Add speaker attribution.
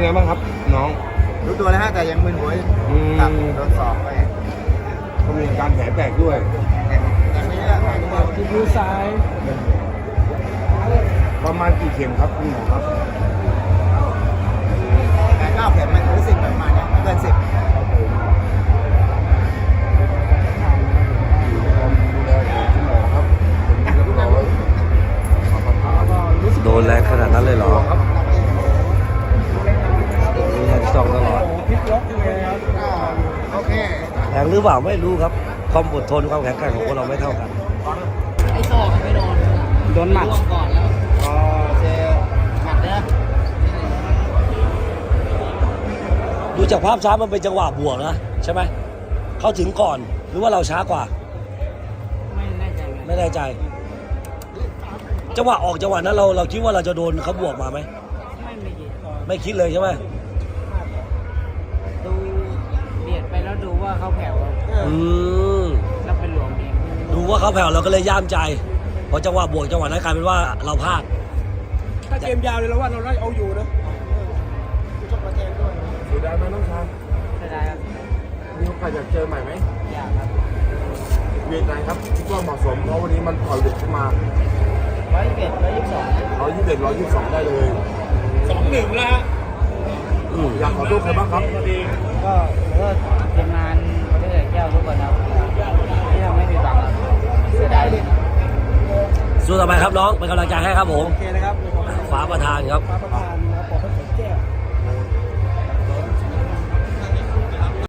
Speaker 1: ไงบ้างครับน้อง
Speaker 2: รู้ตัวแล้วฮะแต่ยังมึนหัวอยู่ครับโดนสอบไป
Speaker 1: ก็มีการแผลแตกด้วย
Speaker 2: แต่ไม่ได้อะไรเลย
Speaker 3: ที่มือซ้าย
Speaker 1: ประมาณกี่เข็มครับคุณหมอครับ
Speaker 2: แต่9 เข็มมันรู้สึกประมาณนี้ไม่เกิน 10
Speaker 1: ดูแลคุณหมอครับผมดูแลคุณหมอไว้
Speaker 4: โดนแรงขนาดนั้นเลยเหรอ
Speaker 1: ครับ
Speaker 4: มีแฮนด์ซองตลอด
Speaker 3: พลิกล็อกเลยครับ
Speaker 2: โอเค
Speaker 4: แรงหรือเปล่าไม่รู้ครับ ความอดทนความแข็งแกร่งของคนเราไม่เท่ากัน
Speaker 5: ไอ้ศอกไม่โดน
Speaker 3: โดนหมัด
Speaker 5: ล่วงก่อนแล้ว
Speaker 2: อ๋อเจหมัดเนี่ย
Speaker 4: ดูจากภาพช้ามันเป็นจังหวะบวกนะใช่ไหมเขาถึงก่อนหรือว่าเราช้ากว่า
Speaker 5: ไม่แน่ใจไง
Speaker 4: ไม่แน่ใจ จังหวะออกจังหวะนั้นเราคิดว่าเราจะโดนเขาบวกมาไหม
Speaker 5: ไม่คิด
Speaker 4: ไม่คิดเลยใช่ไหม
Speaker 5: ดูเบียดไปแล้วดูว่าเขาแผ่ว
Speaker 4: อืม
Speaker 5: แล้วเป็นหลวมเอง
Speaker 4: ดูว่าเขาแผ่วเราก็เลยย่ามใจพอจังหวะบวกจังหวะนั้นกลายเป็นว่าเราพลาด
Speaker 3: ถ้าเกมยาวเลยแล้วว่าเราได้เอาอยู่นะ
Speaker 1: เสียดายไหมน้องชาย
Speaker 5: จะได้ครับ
Speaker 1: มีโอกาสอยากเจอใหม่ไหม
Speaker 5: อยากครับ
Speaker 1: เวียนไหนครับคิดว่าเหมาะสมเพราะวันนี้มันถอยเด็กขึ้นมา
Speaker 5: 121 122
Speaker 1: 121 122ได้เลย
Speaker 3: 2-1 แล้วฮะ
Speaker 4: อืม
Speaker 1: อยากขอโทษใครบ้างครับ
Speaker 5: ก็ทีมงานประเทศแก้วทุกคนครับที่ทำให้มีบังครับเสียดายเลย
Speaker 4: สู้ต่อไปครับน้องเป็นกำลังใจให้ครับผม
Speaker 3: โอเคนะครับ
Speaker 4: ฟ้าประธานครับ
Speaker 3: ฟ้าประธาน